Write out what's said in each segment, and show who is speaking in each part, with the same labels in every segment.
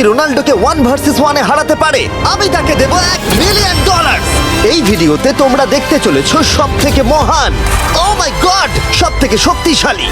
Speaker 1: রোনাল্ডোকে 1 versus 1 এ হারাতে পারে আমি তাকে দেব $1 মিলিয়ন। এই ভিডিওতে তোমরা দেখতে চলেছো সবথেকে মহান, ও মাই গড, সবথেকে শক্তিশালী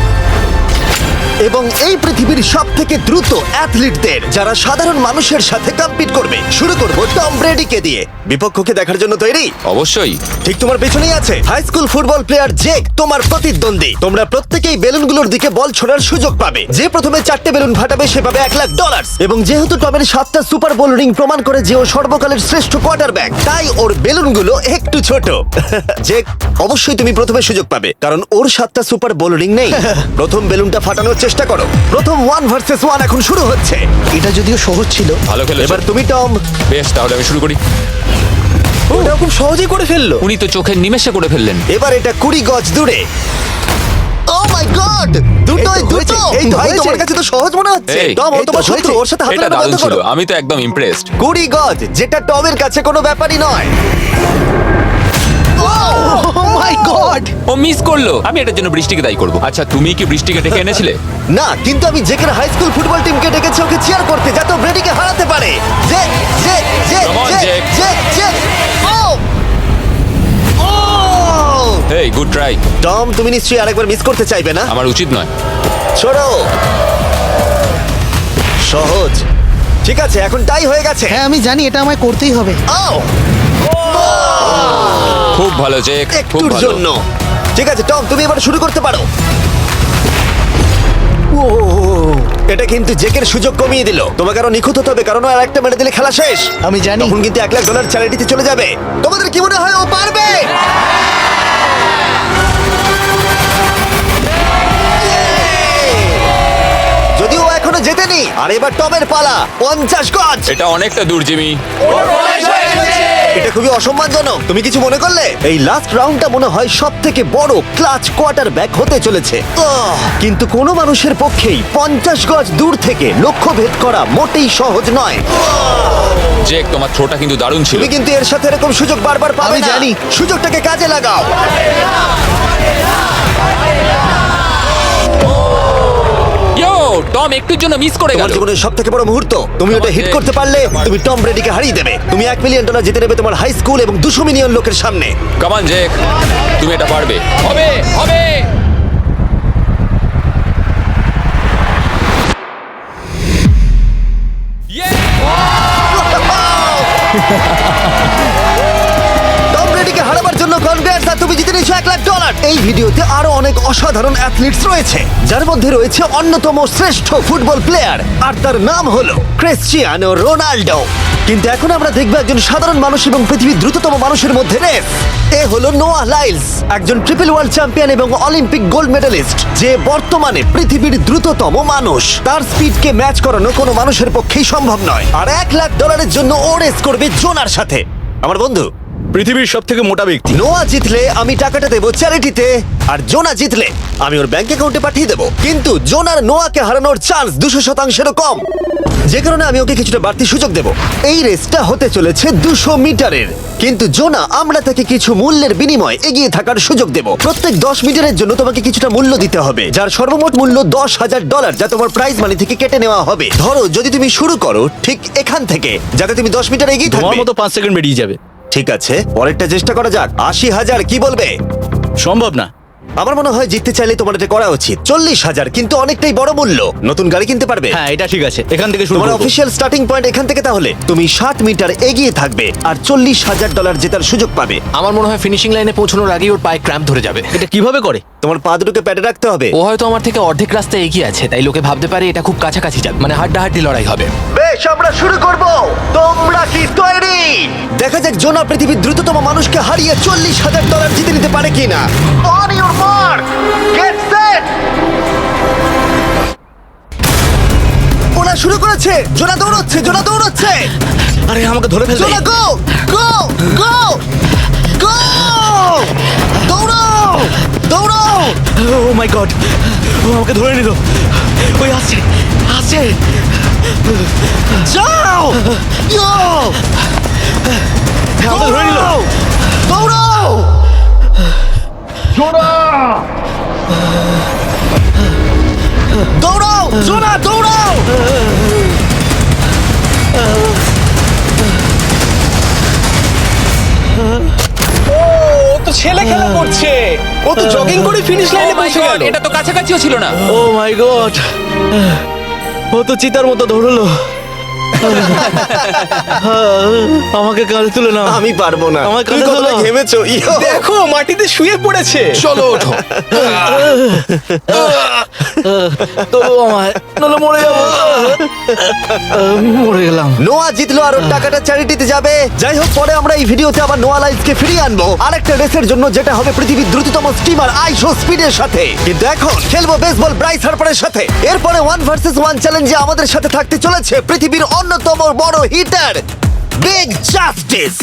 Speaker 1: এবং এই পৃথিবীর সবথেকে দ্রুত অ্যাথলিটদের যারা সাধারণ মানুষের সাথে কম্পিট করবে। শুরু করব টম ব্রেডিকে দিয়ে। বিপক্ষকে দেখার জন্য তৈরি?
Speaker 2: অবশ্যই।
Speaker 1: ঠিক তোমার পেছনেই আছে high school football player Jake, তোমার প্রতিদ্বন্দ্বী। তোমরা প্রত্যেকেই বেলুনগুলোর দিকে বল ছোড়ার সুযোগ পাবে। যে প্রথমে 4টে বেলুন ফাটাবে সে পাবে $1 লাখ। এবং যেহেতু টমের 7টা সুপার বোল রিং প্রমাণ করে যে ও সর্বকালের শ্রেষ্ঠ কোয়ার্টারব্যাক, তাই ওর বেলুনগুলো একটু ছোট। জেক, অবশ্যই তুমি প্রথমে সুযোগ পাবে কারণ ওর 7টা সুপার বোল রিং নেই। প্রথম বেলুনটা ফাটানোর চেষ্টা করো। প্রথম 1 ভার্সেস 1 এখন শুরু হচ্ছে।
Speaker 3: এটা যদিও সহজ ছিল।
Speaker 2: ভালো খেলেছো।
Speaker 1: এবার তুমি টম।
Speaker 2: বেশ, তাহলে আমি শুরু করি।
Speaker 3: ওটা খুব সহজেই করে ফেললো।
Speaker 2: উনি তো চোখের নিমেষে করে ফেললেন।
Speaker 1: এবার এটা 20 গজ দূরে। ও মাই গড, দুটোই দুটো। এই ভাই তোমার কাছে তো সহজ মনে হচ্ছে।
Speaker 2: এই,
Speaker 1: টম, ও তোমার শত্রু, ওর সাথে হাত
Speaker 2: এটা
Speaker 1: মেলানো
Speaker 2: দারুণ
Speaker 1: বন্ধ
Speaker 2: ছিল।
Speaker 1: করো।
Speaker 2: আমি তো একদম ইমপ্রেসড।
Speaker 1: 20 গজ, যেটা টমের কাছে কোনো ব্যাপারই নয়।
Speaker 3: ও মাই গড!
Speaker 2: ও মিস করলো। আমি এটার জন্য বৃষ্টিকে দায়ী করব। আচ্ছা, তুমি কি বৃষ্টিকে ডেকে এনেছিলে?
Speaker 1: না, কিন্তু আমি জেকের হাই স্কুল ফুটবল টিমকে ডেকেছি ওকে চিয়ার করতে যাতে ও ব্রেডিকে হারাতে পারে। Jay Jay Jay
Speaker 2: Come on,
Speaker 1: Jay
Speaker 2: Jake.
Speaker 1: Jay Jay. ও ও
Speaker 2: হেই, গুড ট্রাই।
Speaker 1: টম, তুমি নিশ্চয়ই আরেকবার মিস করতে চাইবে না?
Speaker 2: আমার উচিত নয়।
Speaker 1: ছোড়ো। সহজ। ঠিক আছে, এখন টাই হয়ে গেছে।
Speaker 3: হ্যাঁ, আমি জানি এটা আমায় করতেই হবে।
Speaker 1: ও
Speaker 2: খুব ভালো জেক, খুব
Speaker 1: একটুর
Speaker 2: ভালো।
Speaker 1: জন্য। ঠিক আছে টম, তুমি এবার শুরু করতে পারো। ও, এটা কিন্তু জেকের সুযোগ কমিয়ে দিল। তোমাকে আরো নিখুঁত হতে হবে কারণ আর একটা মেরে দিলে খেলা শেষ।
Speaker 3: আমি জানি।
Speaker 1: তখন কিন্তু $1 লাখ চ্যারিটিতে চলে যাবে। তোমাদের কি মনে হয় ও পারবে? যদিও ও এখনো জেতেনি। আর এবার টমের পালা। 50 গজ।
Speaker 2: এটা অনেকটা দূর, জিমি।
Speaker 1: এটা খুবই অসম্মানজনক। তুমি কিছু মনে করলে? এই লাস্ট রাউন্ডটা মনে হয় সবথেকে বড় ক্লাচ কোয়ার্টারব্যাক হতে চলেছে। কিন্তু কোনো মানুষের পক্ষেই 50 গজ দূর থেকে লক্ষ্য ভেদ করা মোটেই সহজ নয়।
Speaker 2: জেক, তোমার থ্রোটা কিন্তু দারুণ ছিল।
Speaker 1: তুমি কিন্তু এর সাথে এরকম সুযোগ বারবার পাবে
Speaker 3: আমি
Speaker 1: না।
Speaker 3: জানি।
Speaker 1: সুযোগটাকে কাজে লাগাও।
Speaker 2: ইয়ো, টম একটুর জন্য মিস করে
Speaker 1: তোমার
Speaker 2: গেল।
Speaker 1: জীবনের সবথেকে বড় মুহূর্ত। তুমি ওটা হিট করতে পারলে তুমি টম ব্রেডিকে হারিয়ে দেবে। তুমি $1 মিলিয়ন জিতে নেবে তোমার হাই স্কুল এবং 200 মিলিয়ন লোকের সামনে।
Speaker 2: কাম অন জেক, তুমি এটা পারবে। হবে, হবে।
Speaker 1: টম ব্রেডিকে হারাবার জন্য কনগ্রেটস, আর তুমি জিতে নিয়েছো $1 লাখ। এই ভিডিওতে আরো অনেক অসাধারণ অ্যাথলিটস রয়েছে যার মধ্যে রয়েছে অন্যতম শ্রেষ্ঠ ফুটবল প্লেয়ার আর তার নাম হলো ক্রিশ্চিয়ানো রোনাল্ডো। কিন্তু এখন আমরা দেখব একজন সাধারণ মানুষ এবং পৃথিবীর দ্রুততম মানুষের মধ্যে রেস। এ হলো নোয়াহ লাইলস, একজন ট্রিপল ওয়ার্ল্ড চ্যাম্পিয়ন এবং অলিম্পিক গোল্ড মেডালিস্ট, যে বর্তমানে পৃথিবীর দ্রুততম মানুষ। তার স্পিডকে ম্যাচ করানো কোনো মানুষের পক্ষেই সম্ভব নয়। আর $1 লাখ জন্য ও রেস করবে জোনার সাথে, আমার বন্ধু।
Speaker 4: পৃথিবীর সব থেকে মোটা ব্যক্তি।
Speaker 1: নোয়া জিতলে আমি টাকাটা দেবো চ্যারিটিতে, আর জোনা জিতলে আমি ওর ব্যাংক অ্যাকাউন্টে পাঠিয়ে দেবো। কিন্তু জোনার নোয়াকে হারানোর চান্স 200%-এরও কম, যে কারণে আমি ওকে কিছুটা বাড়তি সুযোগ দেব। এই রেসটা হতে চলেছে 200 মিটারের, কিন্তু জোনা আমরা তাকে কিছু মূল্যের বিনিময়ে এগিয়ে থাকার সুযোগ দেব। প্রত্যেক 10 মিটারের জন্য তোমাকে কিছুটা মূল্য দিতে হবে, যার সর্বমোট মূল্য $10,000, যা তোমার প্রাইজ মানি থেকে কেটে নেওয়া হবে। ধরো যদি তুমি শুরু করো ঠিক এখান থেকে, যাতে তুমি 10 মিটার এগিয়ে
Speaker 4: তোমার
Speaker 1: থাকবে।
Speaker 4: মতো 5 সেকেন্ড বেরিয়ে যাবে।
Speaker 1: ঠিক আছে, পরেরটা চেষ্টা করা যাক। 80,000, কি বলবে?
Speaker 4: সম্ভব না।
Speaker 1: আমার মনে হয় জিততে চাইলে তোমার এটা করা উচিত। 40,000 কিন্তু অনেকটাই বড় মূল্য। নতুন গাড়ি কিনতে পারবে।
Speaker 4: হ্যাঁ, এটা ঠিক আছে। এখান থেকে শুরু
Speaker 1: তোমার
Speaker 4: করব।
Speaker 1: অফিসিয়াল স্টার্টিং পয়েন্ট এখান থেকে। তাহলে তুমি 60 মিটার এগিয়ে থাকবে আর $40,000 জেতার সুযোগ পাবে।
Speaker 5: আমার মনে হয় ফিনিশিং লাইনে পৌঁছানোর আগেই ওর পায়ে ক্র্যাম্প ধরে যাবে।
Speaker 4: এটা কিভাবে করে?
Speaker 1: তোমার পা দুটোকে প্যাডে রাখতে হবে।
Speaker 5: ও হয়তো আমার থেকে অর্ধেক রাস্তা এগিয়ে আছে, তাই লোকে ভাবতে পারে এটা খুব কাছাকাছি যাবে, মানে হাড্ডাহাড্ডি লড়াই হবে।
Speaker 1: বেশ, আমরা শুরু করব। তোমরা কি তৈরি? দেখা যাক জোনা পৃথিবীর দ্রুততম মানুষকে হারিয়ে $40,000 জিতে নিতে পারে কিনা। On your mark, get set. ওরা শুরু করেছে। জোনা দৌড়চ্ছে, জোনা দৌড়চ্ছে।
Speaker 4: আরে আমাকে ধরে ফেলবে।
Speaker 1: জোনা গো গো গো গো! দৌড়াও দৌড়াও!
Speaker 4: ও মাই গড, ও আমাকে ধরে নিল। ওই আসছে আসছে।
Speaker 1: যাও! ইয়ো!
Speaker 4: আমাকে ধরে নিল।
Speaker 1: দৌড়াও! দৌড়াও! জোনা দৌড়াও!
Speaker 3: ও তো জগিং করে ফিনিশ লাইনে
Speaker 2: Oh my
Speaker 3: পৌঁছে
Speaker 2: God,
Speaker 3: গেল।
Speaker 2: এটা তো কাছাকাছিও ছিল না।
Speaker 4: ও মাই গড, ও তো চিতার মতো ধরলো। আমাকে কাঁধে তুলে নাও।
Speaker 1: আমি পারবো না।
Speaker 4: আমার
Speaker 1: তুমি
Speaker 4: কাঁধে
Speaker 1: কতটা
Speaker 4: তোলো।
Speaker 1: ঘেমেছো ইয়ো।
Speaker 3: দেখো মাটিতে শুয়ে পড়েছে।
Speaker 2: চলো ওঠো।
Speaker 4: তো আমায় নাহলে মরে যাবো। মরে গেলাম।
Speaker 1: নোয়া জিতলো আর ওর টাকাটা চ্যারিটিতে যাবে। যাই হোক, পরে আমরা এই ভিডিওতে আবার নোয়া লাইফকে ফিরিয়ে আনবো আরেকটা রেসের জন্য, যেটা হবে পৃথিবীর দ্রুততম স্টিমার আইশো স্পিডের সাথে। কিন্তু এখন খেলবো বেসবল ব্রাইস হার্পারের সাথে। এরপরে 1 ভার্সেস 1 চ্যালেঞ্জে আমাদের সাথে থাকতে চলেছে পৃথিবীর অন্যতম বড় হিটার বিগ জাস্টিস।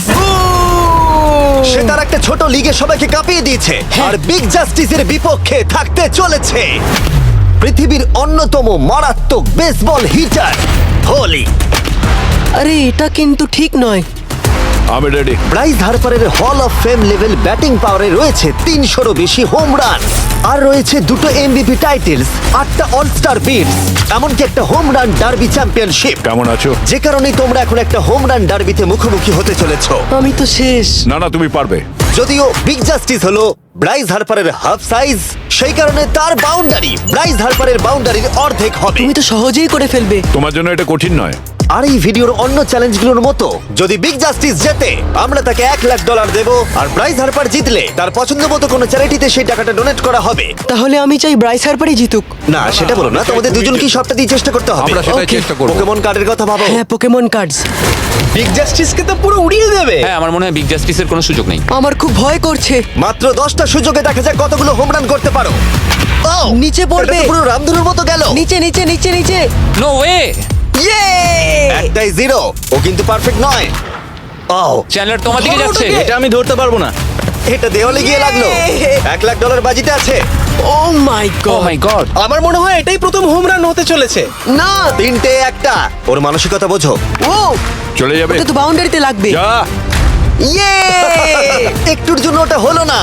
Speaker 1: সে তার একটা ছোট লিগে সবাইকে কাঁপিয়ে দিয়েছে, আর বিগ জাস্টিসের বিপক্ষে থাকতে চলেছে পৃথিবীর অন্যতম মারাত্মক বেসবল হিটার হোলি।
Speaker 6: আরে এটা কিন্তু ঠিক নয়।
Speaker 7: আমি ready.
Speaker 1: Bryce হার্পারের hall of fame level batting পাওয়ারে রয়েছে 300রও বেশি হোম রান, আর রয়েছে 2টো এমভিপি টাইটেলস, 8টা অলস্টার বিটস, এমনকি একটা হোম রান ডার্বি চ্যাম্পিয়নশিপ।
Speaker 7: কেমন আছো?
Speaker 1: যে কারণে তোমরা এখন একটা হোম রান ডার্বিতে মুখোমুখি হতে চলেছো।
Speaker 6: আমি তো শেষ।
Speaker 7: না না, তুমি পারবে।
Speaker 1: যদিও বিগ জাস্টিস হলো ব্রাইস হার্পারের হাফ সাইজ, সেই কারণে তার বাউন্ডারি ব্রাইস হার্পারের বাউন্ডারির অর্ধেক হবে।
Speaker 6: তুমি তো সহজেই করে ফেলবে।
Speaker 7: তোমার জন্য এটা কঠিন নয়।
Speaker 1: আর এই ভিডিওর অন্য চ্যালেঞ্জগুলোর মতো যদি বিগ জাস্টিস জেতে আমরা তাকে $1,00,000 দেব, আর ব্রাইস হার্পার জিতলে তার পছন্দ মতো কোনো চ্যারিটিতে সেই টাকাটা ডোনেট করা হবে।
Speaker 6: তাহলে আমি চাই ব্রাইস হার্পারই জিতুক।
Speaker 1: না, সেটা বলো না, তোমাদের দুজনকেই সবটা দিয়ে চেষ্টা করতে হবে।
Speaker 2: আমরা সেটাই চেষ্টা করবো।
Speaker 1: পোকেমন কার্ডের কথা ভাবো।
Speaker 6: হ্যাঁ, পোকেমন কার্ডস।
Speaker 3: বিগ জাস্টিসকে তো পুরো উড়িয়ে দেবে।
Speaker 2: হ্যাঁ, আমার মনে হয় বিগ জাস্টিসের কোনো সুযোগ নেই।
Speaker 6: আমার খুব ভয় করছে।
Speaker 1: মাত্র 10টা সুযোগে দেখা যাক কতগুলো হোম রান করতে পারো। ও,
Speaker 6: নিচে পড়বে।
Speaker 1: এটা তো পুরো রামধনুর মতো গেল।
Speaker 6: নিচে নিচে নিচে নিচে।
Speaker 2: No way.
Speaker 6: ইয়ে!
Speaker 1: একটাই জিরো, ও কিন্তু পারফেক্ট নয়। ও,
Speaker 2: চ্যানেলার তোমার দিকে যাচ্ছে।
Speaker 4: এটা আমি ধরতে পারবো না।
Speaker 1: এটা দেওয়ালে গিয়ে লাগলো। $1,00,000 বাজিতে আছে।
Speaker 6: Oh my
Speaker 2: oh
Speaker 6: God.
Speaker 2: My God.
Speaker 3: আমার মনে হয় এটাই প্রথম হোম রান হতে চলেছে।
Speaker 6: না।
Speaker 1: 3টে একটা। ওর মানসিকতা বোঝো।
Speaker 6: ও,
Speaker 7: চলে যাবে।
Speaker 6: ওটা তো বাউন্ডারিতে লাগবে।
Speaker 7: যা।
Speaker 6: ইয়ে!
Speaker 1: একটুর জন্য ওটা হলো না।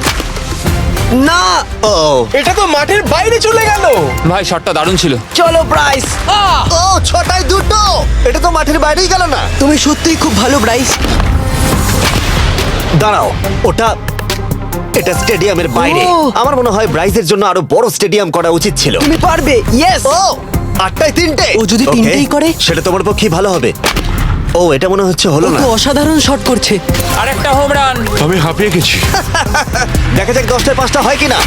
Speaker 6: না।
Speaker 1: ও,
Speaker 3: এটা তো মাঠের বাইরে চলে গেল।
Speaker 2: ভাই শটটা দারুণ ছিল।
Speaker 6: চলো ব্রাইস।
Speaker 1: ও, 6টায় 2টো। এটা তো মাঠের বাইরেই গেল না।
Speaker 6: তুমি সত্যিই খুব ভালো ব্রাইস।
Speaker 1: দাঁড়াও, এটা স্টেডিয়ামের বাইরে।
Speaker 6: ও।
Speaker 1: আমার মনে হয় ব্রাইজের জন্য আরো বড় স্টেডিয়াম করা উচিত ছিল।
Speaker 6: তুমি পারবে। ইয়েস।
Speaker 1: ও, 8টায় 3টে।
Speaker 6: ও যদি
Speaker 1: Okay,
Speaker 6: তিনটেই করে?
Speaker 1: সেটা তোমার পক্ষে ভালো হবে। ও, এটা মনে হচ্ছে হলো
Speaker 6: ও
Speaker 1: না।
Speaker 6: তো অসাধারণ শট করছে।
Speaker 2: আরেকটা হোম রান।
Speaker 7: আমি হাঁপিয়ে গেছি।
Speaker 1: দেখা যাক 10টায় 5টা হয় কিনা।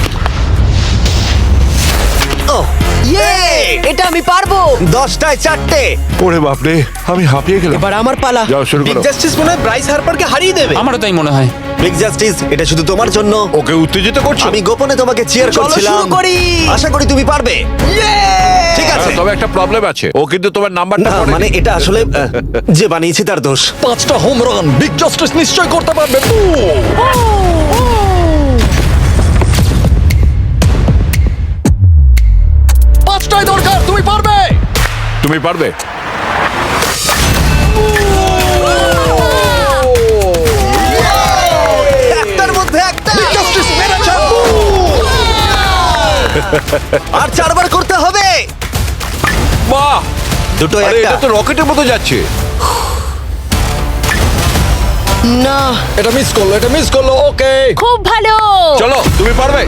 Speaker 1: ও,
Speaker 6: ইয়ে! এটা আমি পারবো।
Speaker 1: 10টায় 4টে।
Speaker 7: ওরে বাপরে, আমি হাঁপিয়ে গেলাম।
Speaker 6: এবার আমার পালা।
Speaker 7: যাও শুরু
Speaker 3: বিগ
Speaker 7: করো।
Speaker 3: জাস্টিস মনে হয় ব্রাইস হার্পারকে হারিয়ে দেবে।
Speaker 2: আমারও তাই মনে হয়।
Speaker 1: বিগ জাস্টিস, এটা শুধু তোমার জন্য।
Speaker 7: ওকে উত্তেজিত করছো?
Speaker 1: আমি গোপনে তোমাকে চিয়ার
Speaker 6: চলো
Speaker 1: করছিলাম।
Speaker 6: শুরু করি।
Speaker 1: আশা করি তুমি পারবে। ঠিক আছে।
Speaker 7: তবে একটা প্রবলেম আছে, ও কিন্তু তোমার নাম্বারটা
Speaker 1: না, মানে এটা আসলে যে বানিয়েছে তার দোষ।
Speaker 4: 5টা হোম রান বিগ জাস্টিস নিশ্চয় করতে পারবে। পাঁচটাই দরকার, তুমি পারবে।
Speaker 7: তুমি পারবে।
Speaker 1: একটার মধ্যে একটা। আর 4বার করতে হবে।
Speaker 7: বাহ,
Speaker 1: দুটো
Speaker 7: আরে
Speaker 1: একটা।
Speaker 7: এটা তো রকেটের মতো যাচ্ছে।
Speaker 6: না।
Speaker 4: এটা মিস করলো। ওকে,
Speaker 8: খুব ভালো।
Speaker 7: চলো, তুমি পারবে।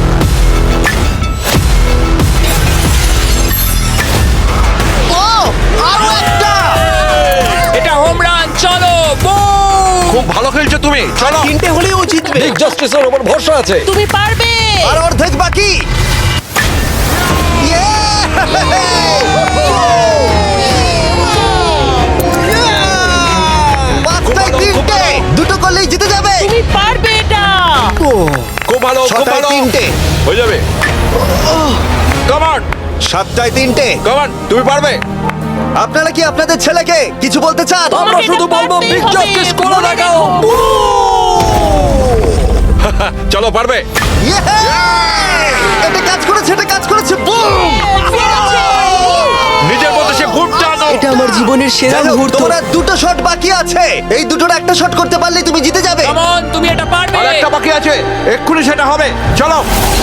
Speaker 1: ও, আরো একটা।
Speaker 2: এটা হোম রান। চলো বুম।
Speaker 7: খুব ভালো খেলছো তুমি, চলো।
Speaker 3: 3টে হলেই ও জিতবে।
Speaker 4: বিগ জাস্টিসের উপর ভরসা আছে।
Speaker 8: তুমি পারবে।
Speaker 1: আর অর্ধেক বাকি। পাঁচটায় 3টে। দুটো করলেই জিতে যাবে।
Speaker 8: তুমি পারবে এটা।
Speaker 7: খুব ভালো, খুব
Speaker 1: 6টায়
Speaker 7: ভালো।
Speaker 1: 3টে।
Speaker 7: হয়ে যাবে। কামান,
Speaker 1: 7টায় 3টে।
Speaker 7: কামান, তুমি পারবে।
Speaker 1: আপনারা কি আপনাদের ছেলেকে কিছু বলতে চান?
Speaker 8: আমরা শুধু বলবো বিগ জাস্টিস করে দেখাও।
Speaker 7: চলো, পারবে।
Speaker 1: এটা কাজ করেছে, এটা কাজ করেছে। বুম!
Speaker 7: নিজের মতো সে খুব টানো।
Speaker 6: এটা আমার জীবনের সেরা
Speaker 1: যাই হোক,
Speaker 6: মুহূর্ত।
Speaker 1: তোমার আর 2টো শট বাকি আছে। এই দুটোর একটা শট করতে পারলেই তুমি জিতে যাবে।
Speaker 2: কাম অন, তুমি এটা পারবে।
Speaker 7: আর একটা বাকি আছে, এক্ষুনি সেটা হবে। চলো।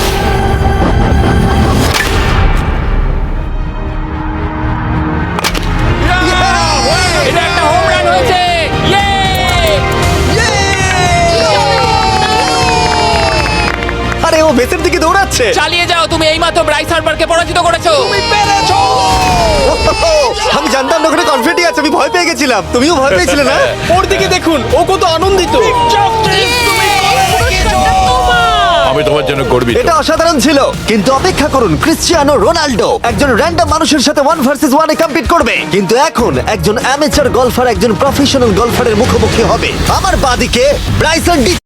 Speaker 2: এটা একটা হোম রান হয়েছে। ইয়ে!
Speaker 1: বেসের দিকে দৌড়াচ্ছে।
Speaker 2: চালিয়ে যাও, তুমি এইমাত্র ব্রাইস হার্পারকে পরাজিত করেছো।
Speaker 1: আমি জানতাম না ওখানে কনফিডেন্ট আছে, আমি ভয় পেয়ে গেছিলাম। তুমিও ভয় পেয়েছিলে না?
Speaker 3: ওর দিকে দেখুন, ও কত আনন্দিত।
Speaker 7: আমি তোমার জন্য গর্বিত।
Speaker 1: এটা অসাধারণ ছিল, কিন্তু অপেক্ষা করুন, ক্রিশ্চিয়ানো রোনাল্ডো একজন র্যান্ডম মানুষের সাথে 1 ভার্সেস 1 এ কম্পিট করবে, কিন্তু এখন একজন অ্যামেচার গলফার একজন প্রফেশনাল গলফারের মুখোমুখি হবে। আমার বাদিকে ব্রাইসন ডি